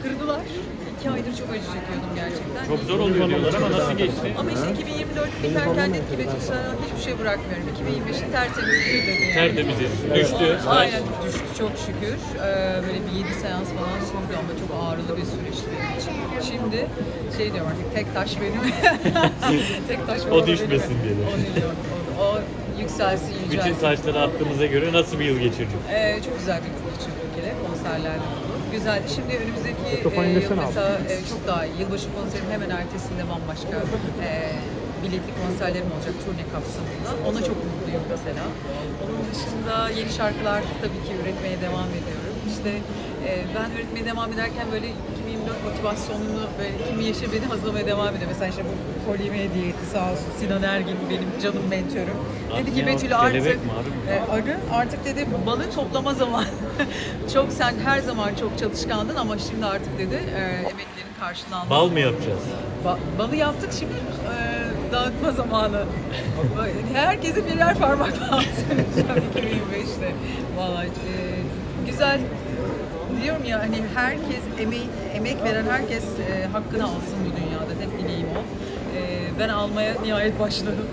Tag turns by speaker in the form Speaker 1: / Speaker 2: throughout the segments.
Speaker 1: kırdılar. 2 aydır çok acı çekiyordum gerçekten.
Speaker 2: Çok zor oluyor diyorlar ama nasıl geçti?
Speaker 1: Ama işte 2024 biterken dedim ki Betül sana hiçbir şey bırakmıyorum. 2025'i tertemiz bir dedi yani.
Speaker 2: Tertemiz düştü.
Speaker 1: Aynen düştü çok şükür. Böyle bir 7 seans falan sürdü ama çok ağrılı bir süreçti benim için. Şimdi şey diyorum artık tek taş benim. Tek taş
Speaker 2: O düşmesin diye.
Speaker 1: O değil, o yükselsin, yücelsin.
Speaker 2: Bütün taşları attığımıza göre nasıl bir yıl geçirdin?
Speaker 1: Çok güzel bir yıl geçirdim bir kere. Konserlerle oldu. Güzel. Şimdi önümüzdeki yıl mesela çok daha iyi. Yılbaşı konserinin hemen ertesinde bambaşka biletli konserlerim olacak turne kapsamında. Ona çok mutluyum mesela. Onun dışında yeni şarkılar tabii ki üretmeye devam ediyorum. İşte ben üretmeye devam ederken böyle 2024 motivasyonunu böyle 20 yaşa beni hazırlamaya devam ediyor. Mesela işte bu kolime hediye etti sağ olsun Sinan Ergin benim canım mentörüm. Dedi ki Betül artık artık dedi balı toplama zamanı. Çok sen her zaman çok çalışkandın ama şimdi artık dedi emeklerin karşılığını
Speaker 2: Bal mı yapacağız?
Speaker 1: Balı yaptık şimdi dağıtma zamanı. Herkese birer parmak lazım 2025'te. Vallahi güzel diyorum ya hani herkes emek veren herkes hakkını alsın bu dünyada. Tek dileğim o. Ben almaya nihayet başladım.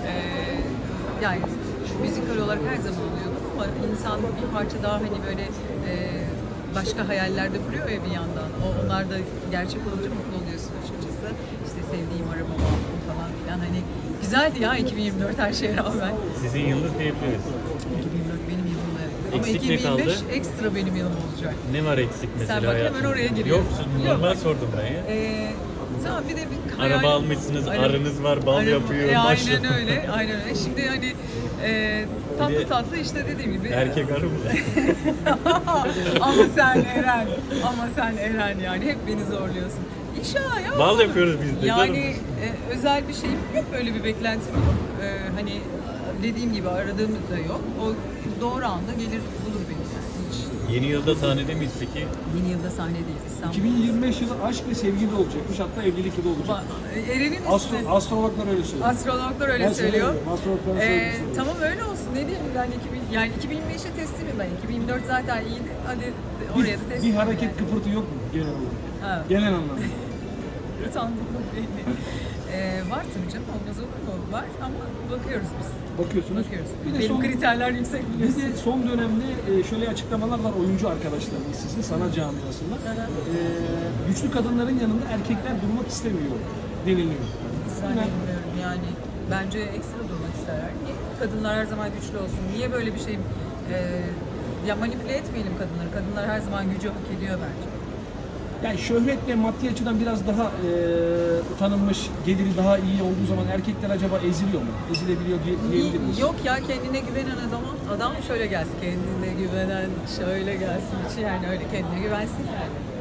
Speaker 1: Yani müzikal olarak her zaman alıyordum ama insan bir parça daha hani böyle başka hayallerde kuruyor ya bir yandan. Onlar da gerçek olunca mutlu oluyorsun açıkçası. İşte sevdiğim arabamı aldım falan filan. Hani güzeldi ya 2024 her şeye rağmen.
Speaker 2: Sizin yılınız diyebiliriz.
Speaker 1: 2024 benim yılım evet. Ama
Speaker 2: Eksik ne
Speaker 1: 2025
Speaker 2: kaldı?
Speaker 1: ekstra benim yılım olacak.
Speaker 2: Ne var eksik mesela?
Speaker 1: Sen bak hemen oraya giriyorsun.
Speaker 2: Yok, normal sordum ben ya.
Speaker 1: Tamam bir de bir
Speaker 2: Araba almışsınız,
Speaker 1: Aynen.
Speaker 2: arınız var, bal yapıyor, maşallah.
Speaker 1: Aynen öyle, aynen öyle. Şimdi hani tatlı tatlı işte dediğim gibi.
Speaker 2: Erkek arı mı?
Speaker 1: Ama sen Eren yani hep beni zorluyorsun. İnşallah ya.
Speaker 2: Bal yapıyoruz biz de.
Speaker 1: Yani özel bir şeyim yok, öyle bir beklentim yok. Hani dediğim gibi aradığım da yok. O doğru anda gelir bulur beni yani. Hiç.
Speaker 2: Yeni yılda sahnede miyiz peki?
Speaker 1: Yeni yılda sahnedeyiz İstanbul.
Speaker 3: 2025 yılı aşk ve sevgi de olacakmış, hatta evlilik yılı olacak.
Speaker 1: Eren'in
Speaker 3: Astrologlar öyle söylüyor.
Speaker 1: Astrologlar öyle
Speaker 3: Ben
Speaker 1: söylüyor.
Speaker 3: söylemiyorum, astrologlar söylüyor.
Speaker 1: Tamam öyle olsun. Ne diyeyim ben 2025'e teslimim ben. 2024 zaten iyiydi. Hadi oraya da teslim.
Speaker 3: Bir hareket kıpırtı yok mu genel olarak?
Speaker 1: Ha.
Speaker 3: Genel anlamda.
Speaker 1: Utandım belli. Var tabii canım. Olmaz olur mu? Var ama bakıyoruz biz.
Speaker 3: Bakıyorsunuz.
Speaker 1: Bakıyoruz.
Speaker 3: Bir de
Speaker 1: Benim kriterler yüksek
Speaker 3: Bir
Speaker 1: biliyorsun.
Speaker 3: de son dönemde şöyle açıklamalar var oyuncu arkadaşlarımız sizin sanat camiasında. Güçlü kadınların yanında erkekler durmak istemiyor deniliyor.
Speaker 1: Zannetmiyorum yani. Bence ekstra durmak isterler. Niye? Kadınlar her zaman güçlü olsun. Niye böyle bir şey ya manipüle etmeyelim kadınları. Kadınlar her zaman gücü hak ediyor bence.
Speaker 3: Yani şöhret ve maddi açıdan biraz daha tanınmış, geliri daha iyi olduğu zaman erkekler acaba eziliyor mu? Ezilebiliyor diyebilir miyiz?
Speaker 1: Yok ya kendine güvenen adam şöyle gelsin. Kendine güvenen şöyle gelsin. Hiç yani öyle kendine güvensin yani.